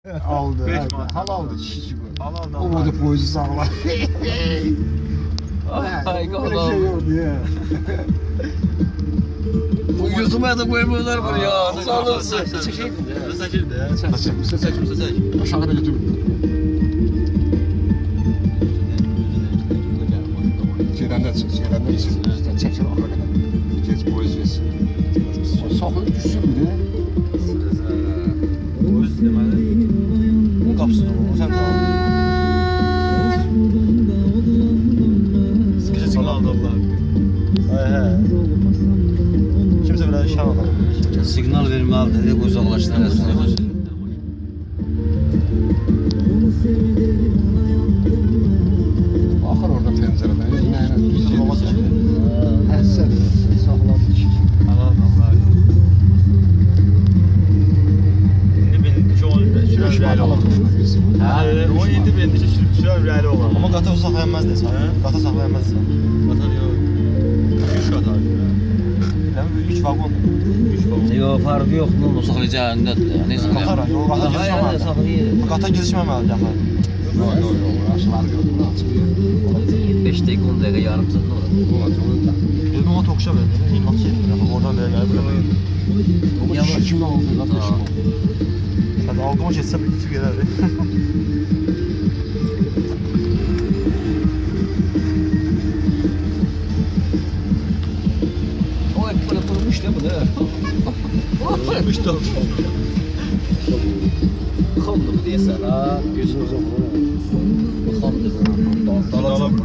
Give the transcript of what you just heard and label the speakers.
Speaker 1: Aldı.
Speaker 2: Beş
Speaker 1: Evet.
Speaker 2: manat.
Speaker 1: Halaldı kişi gibi.
Speaker 2: Halaldı.
Speaker 1: O da poyuzu sağlar.
Speaker 3: Ay
Speaker 1: Böyle şey yok diye.
Speaker 3: Bu YouTube'a da koymuyorlar bunu ya. Sağlıksın.
Speaker 2: Çekeyim de. Saçayım da ya.
Speaker 1: Saçım. Aşağıda götür. Şeyden de çekil ahıra kadar. Geç poyuz versin. Sakın düşsün bir de.
Speaker 2: Öz deməli. Bunun qapısını o sən sağ. Sıkıcı signal aldı Allah. He. Kimse biraz şan alır.
Speaker 3: Signal verməli dedi, uzaqlaşdırasın.
Speaker 1: Axır orada pəncərədən.
Speaker 2: Bizim babası şimdi.
Speaker 1: Həsən. Saxladı kişi.
Speaker 2: Allah. İndi benim çoğun sürən ürəli olan. O indi benim sürən ürəli olan. Amma qata saxlayanmaz desən. Qata saxlayanmaz desən. Qata yox. 3 qata. Demək 3 vagon. 3 vagon.
Speaker 3: Yox, farkı yox, bunu saxlayacağındadır. Neyse.
Speaker 2: Qatara, yox, qata girişməməlidir.
Speaker 3: Saxlayır.
Speaker 2: Qata girişməməlidir axı.
Speaker 1: Yox, aşılar gördüm, açıq.
Speaker 3: 5 dəqiqə, 10 dəqiqə, yarım saat ne olur?
Speaker 1: Olacaq.
Speaker 2: Dedim ona tokuşa verdi. İnat şeydir. Oradan da gəlib buraya.
Speaker 1: Ama kişi kimi oldu, qardaşım.
Speaker 2: Hadi algıma geçsem iki gelerdi.
Speaker 3: O hep böyle kurumuş değil mi?
Speaker 2: Kurumuş da.
Speaker 3: Kondu mu diye sana.
Speaker 1: Gözünüzə vurun.